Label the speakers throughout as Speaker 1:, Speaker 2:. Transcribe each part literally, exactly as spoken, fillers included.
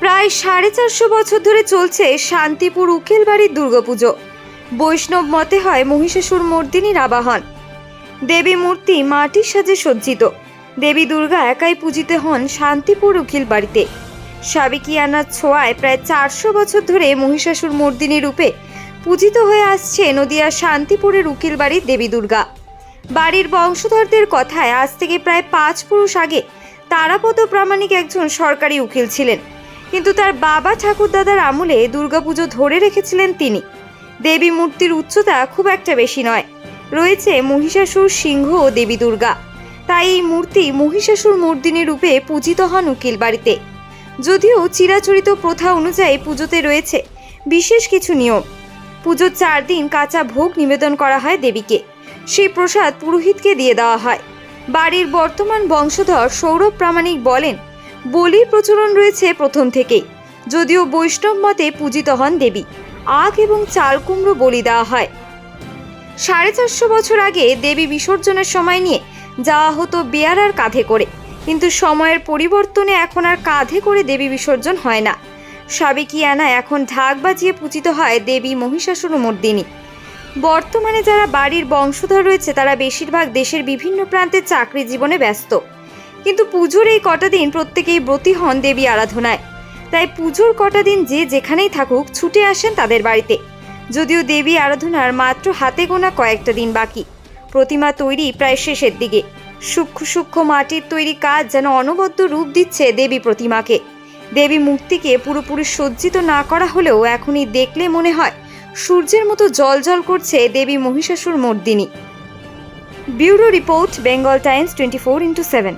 Speaker 1: প্রায় সাড়ে চারশো বছর ধরে চলছে শান্তিপুর উকিলবাড়ির দুর্গাপুজো। বৈষ্ণব মতে হয় মহিষাসুর মর্দিনীর আবাহন। দেবী মূর্তি মাটির সাজে সজ্জিত। দেবী দুর্গা একাই পূজিত হন শান্তিপুর উকিলবাড়িতে। সাবেকিয়ানার ছোঁয়ায় প্রায় চারশো বছর ধরে মহিষাসুর মর্দিনী রূপে পূজিত হয়ে আসছে নদিয়ার শান্তিপুরের উকিলবাড়ির দেবী দুর্গা। বাড়ির বংশধরদের কথায় আজ থেকে প্রায় পাঁচ পুরুষ আগে তারাপদ প্রামাণিক একজন সরকারি উকিল ছিলেন, কিন্তু তার বাবা ঠাকুরদাদার আমলে দুর্গাপুজো ধরে রেখেছিলেন তিনি। দেবী মূর্তির উচ্চতা খুব একটা বেশি নয়, রয়েছে মহিষাসুর সিংহ ও দেবী দুর্গা। তাই এই মূর্তি মহিষাসুর মর্দিনী রূপে পূজিত হন উকিলবাড়িতে। যদিও চিরাচরিত প্রথা অনুযায়ী পুজোতে রয়েছে বিশেষ কিছু নিয়ম। পুজোর চার দিন কাঁচা ভোগ নিবেদন করা হয় দেবীকে, সেই প্রসাদ পুরোহিতকে দিয়ে দেওয়া হয়। বাড়ির বর্তমান বংশধর সৌরভ প্রামাণিক বলেন, বলির প্রচলন রয়েছে প্রথম থেকেই। যদিও বৈষ্ণব মতে পূজিত হন দেবী, আখ এবং চাল কুমড়ো বলি দেওয়া হয়। সাড়ে চারশো বছর আগে দেবী বিসর্জনের সময় নিয়ে যাওয়া হতো বেয়ারার কাঁধে করে, কিন্তু সময়ের পরিবর্তনে এখন আর কাঁধে করে দেবী বিসর্জন হয় না। সাবেকিয়ানা এখন ঢাক বাজিয়ে পূজিত হয় দেবী মহিষাসুর মর্দিনী। বর্তমানে যারা বাড়ির বংশধর রয়েছে তারা বেশিরভাগ দেশের বিভিন্ন প্রান্তে চাকরি জীবনে ব্যস্ত, কিন্তু পুজোর এই কটা দিন প্রত্যেকেই ব্রতী হন দেবী আরাধনায়। তাই পুজোর কটা দিন যে যেখানেই থাকুক ছুটে আসেন তাদের বাড়িতে। যদিও দেবী আরাধনার মাত্র হাতে গোনা কয়েকটা দিন বাকি। প্রতিমা তৈরি প্রায় শেষের দিকে। সূক্ষ্ম সূক্ষ্ম মাটির তৈরি কাজ যেন অনবদ্য রূপ দিচ্ছে দেবী প্রতিমাকে। দেবী মূর্তিকে পুরোপুরি সজ্জিত না করা হলেও এখনই দেখলে মনে হয় সূর্যের মতো জলজল করছে Devi Mahishasura Mardini. Bureau report, Bengal times twenty four into seven.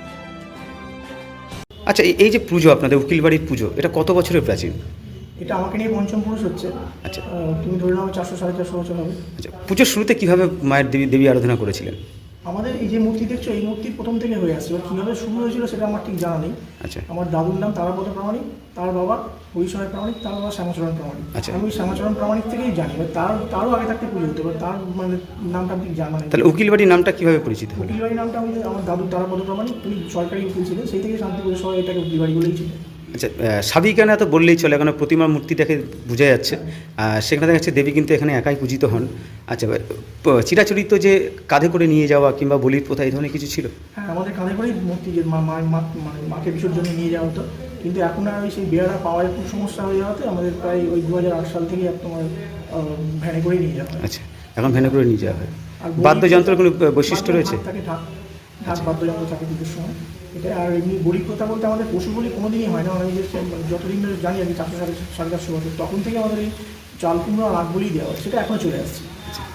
Speaker 2: আচ্ছা, এই যে পুজো আপনাদের উকিলবাড়ির পুজো, এটা কত বছরের প্রাচীন?
Speaker 3: এটা আমাকে নিয়ে পঞ্চম পুরুষ হচ্ছে।
Speaker 2: আচ্ছা,
Speaker 3: তুমি ধরে নাও চারশো সাড়ে চারশো বছর হবে।
Speaker 2: আচ্ছা, পুজোর শুরুতে কিভাবে মায়ের দেবী দেবী আরাধনা করেছিলেন?
Speaker 3: আমাদের এই যে মূর্তি দেখছো, এই মূর্তি প্রথম থেকে হয়ে আসছে। এবার কীভাবে শুরু হয়েছিল সেটা আমার ঠিক জানা নেই।
Speaker 2: আচ্ছা,
Speaker 3: আমার দাদুর নাম তারাপদ প্রামাণিক, তার বাবা হরিশয় প্রামাণিক, তার বাবা শ্যামাচরণ প্রামাণিক।
Speaker 2: আচ্ছা,
Speaker 3: আমি শ্যামাচরণ প্রামাণিক থেকেই জানি। এবার তার তারও আগে থাকতে পুজো হতো, এবার তার মানে নামটা ঠিক জানা নেই।
Speaker 2: তাহলে উকিলবাড়ির নামটা কিভাবে পরিচিত হলো?
Speaker 3: উকিলবাড়ির নামটা আমি আমার দাদুর তারাপদ প্রামাণিক, তিনি সরকারি উকিল ছিলেন, সেই থেকে শান্তিপুরের সবাই এটাকে উকিলবাড়ি বলেই ছিল।
Speaker 2: আচ্ছা, সাবিকানা তো বললেই চলে, এখানে প্রতিমার মূর্তিটাকে বোঝা যাচ্ছে। সেখানে দেখা যাচ্ছে দেবী কিন্তু এখানে একাই পূজিত হন। আচ্ছা, চিরাচরিত যে কাঁধে করে নিয়ে যাওয়া কিংবা বলির প্রথা এই ধরনের কিছু ছিল?
Speaker 3: হ্যাঁ, আমাদের কাঁধে করেই মূর্তি যে মা মানে মাকে বিসর্জনে নিয়ে যাওয়া হতো, কিন্তু এখন আর ওই সেই বেড়া পাওয়ার খুব সমস্যা হয়ে যাওয়াতে আমাদের প্রায় ওই দু হাজার আট সাল থেকে তোমার ভ্যানে করেই নিয়ে যাওয়া হয়।
Speaker 2: আচ্ছা, এখন ভ্যানে করে নিয়ে যাওয়া হয়।
Speaker 3: আর
Speaker 2: বাদ্যযন্ত্রের কোনো বৈশিষ্ট্য রয়েছে?
Speaker 3: থাকে ঢাক ঢাক বাদ্যযন্ত্র থাকে পুজোর সময়। এটা আর এমনি বলির কথা বলতে আমাদের পশু বলি কোনো দিনই হয় না। আমি যে যতদিন ধরে জানি আমি চারশো সাড়ে সাড়ে চারশো বছর তখন থেকে আমাদের এই চাল কুমড়ো আর আগ বলি দেওয়া হয়, সেটা এখনও চলে আসছে।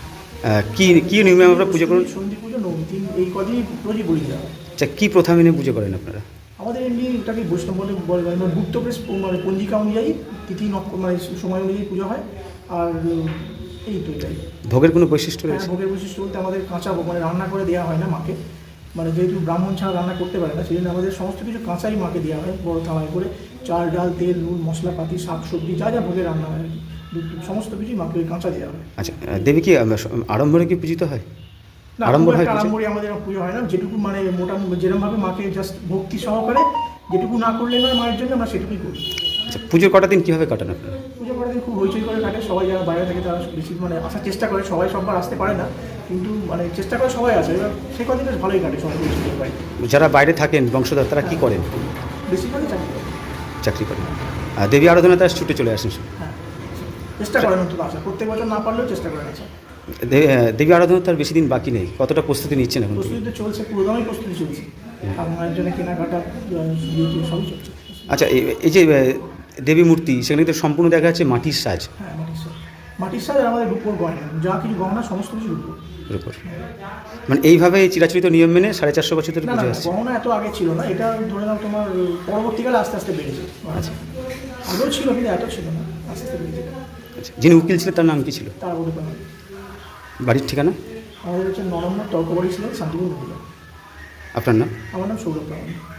Speaker 2: কি কি নিয়মে আমরা পুজো করুন?
Speaker 3: সন্ধি পুজো নবমী এই কদিনই রোজই বলি দেওয়া হয়।
Speaker 2: আচ্ছা, কী প্রথা মেনে পুজো করেন আপনারা?
Speaker 3: আমাদের এমনি এটাকে বৈষ্ণব বলে বলে মানে গুপ্ত প্রেস মানে পঞ্জিকা অনুযায়ী তিথি নক্ষ মানে সময় অনুযায়ী পুজো হয়। আর এই তো এটাই।
Speaker 2: ভোগের কোনো বৈশিষ্ট্য
Speaker 3: হ্যাঁ,
Speaker 2: রয়েছে?
Speaker 3: ভোগের বৈশিষ্ট্য বলতে আমাদের কাঁচা ভোগ মানে রান্না করে দেওয়া হয় না মাকে, মানে যেহেতু ব্রাহ্মণ ছাড়া রান্না করতে পারে না, সেই জন্য আমাদের সমস্ত কিছু কাঁচাই মাকে দেওয়া হয়। বড় থালায় করে চাল ডাল তেল নুন মশলাপাতি শাক সবজি যা যা ভোগে রান্না হয় আর কি, সমস্ত কিছুই মাকে ওই কাঁচা দেওয়া হয়।
Speaker 2: আচ্ছা, দেবী কি আড়ম্বরে কি পূজিত হয়?
Speaker 3: না, আড়ম্বরে আমাদের পুজো হয় না। যেটুকু মানে মোটামুটি যেরকমভাবে মাকে জাস্ট ভক্তি সহকারে যেটুকু না করলে নয় মায়ের জন্য, আমরা সেটুকুই করি।
Speaker 2: আচ্ছা, পুজোর কটা দিন কীভাবে কাটান আপনারা?
Speaker 3: পুজো করার দিন খুব হইচই করে কাটে। সবাই যারা বাইরে থেকে তারা বেশি মানে আসার চেষ্টা করে। সবাই সববার আসতে পারে না, কিন্তু মানে চেষ্টা করে সবাই আসে। এবার সে কদিন বেশ ভালোই কাটে সবাই হইচই করে।
Speaker 2: যারা বাইরে থাকেন বংশধর তারা কী করেন?
Speaker 3: বেশিরভাগই চাকরি করে।
Speaker 2: চাকরি করেন। আর দেবী আরাধনা তারা ছুটে চলে আসেন?
Speaker 3: হ্যাঁ, চেষ্টা করেন অন্তত আসা। প্রত্যেক বছর না পারলেও চেষ্টা করেন আসা।
Speaker 2: দেবী আরাধনা তার বেশি দিন বাকি নেই, কতটা প্রস্তুতি নিচ্ছেন এখন?
Speaker 3: প্রস্তুতি তো চলছে, পুরোদমই প্রস্তুতি চলছে। আর মায়ের জন্য কেনাকাটা সবই চলছে।
Speaker 2: আচ্ছা, এই যে দেবী মূর্তি সেখানে তো সম্পূর্ণ দেখা যাচ্ছে মাটির সাজ।
Speaker 3: হ্যাঁ, মাটির সাজ। মাটির সাজ আর আমাদের রূপোর গয়না, যা কিছু গহনা সমস্ত কিছু রূপোর।
Speaker 2: রূপোর মানে এইভাবে চিরাচরিত নিয়ম মেনে সাড়ে চারশো বছর ধরে পুজো আসছে।
Speaker 3: গহনা এত আগে ছিল না, এটা ধরে নাও তোমার পরবর্তীকালে আস্তে আস্তে বেড়েছে। আচ্ছা, আগেও ছিল কিন্তু এত ছিল না, আস্তে আস্তে বেড়েছে।
Speaker 2: আচ্ছা, যিনি উকিল ছিলেন তার নাম কী ছিল?
Speaker 3: তার বলে পারে।
Speaker 2: বাড়ির ঠিকানা?
Speaker 3: আমাদের হচ্ছে নরম্বর তর্কবাড়ি ছিলেন শান্তিপুর নদীয়া।
Speaker 2: আপনার নাম?
Speaker 3: আমার নাম সৌরভ প্রামাণিক।